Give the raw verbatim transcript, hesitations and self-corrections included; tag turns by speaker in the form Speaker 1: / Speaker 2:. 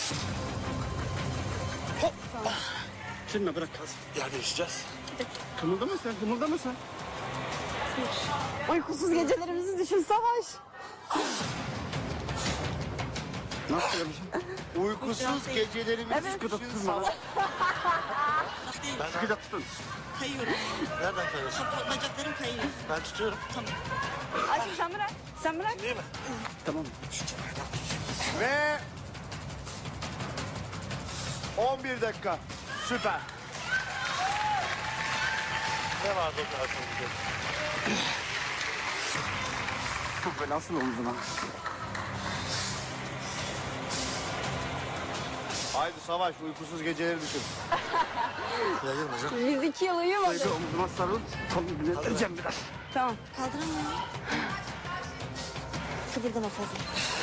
Speaker 1: Hop. Şimdi bırak kalsın. Yer değişeceğiz. Kımıldama sen, kımıldama sen.
Speaker 2: Uykusuz gecelerimizi düşün Savaş.
Speaker 1: Nasıl yapacağım?
Speaker 3: Uykusuz gecelerimizi
Speaker 2: Evet.
Speaker 1: Sıkı da tutun bana.
Speaker 3: Ben
Speaker 1: Sıkı da tutun.
Speaker 4: Kayıyorum.
Speaker 3: nereden kayıyorsun?
Speaker 4: Kapı, bacaklarım kayıyor.
Speaker 3: Ben tutuyorum.
Speaker 4: Tamam.
Speaker 2: Aşkım sen bırak. Sen bırak.
Speaker 3: Değil mi?
Speaker 1: Tamam.
Speaker 3: Ve on bir dakika. Süper. Ne vardı o kadar sonra?
Speaker 1: Böyle asıl omzuna.
Speaker 3: Haydi Savaş, uykusuz geceleri düşün. Yayılma canım.
Speaker 2: Biz iki yıl uyumadık.
Speaker 1: Şöyle omzuma sarıl. Kolumu dinleteceğim biraz.
Speaker 2: Tamam.
Speaker 4: Kaldıramıyorum. Kıpırdama fazla.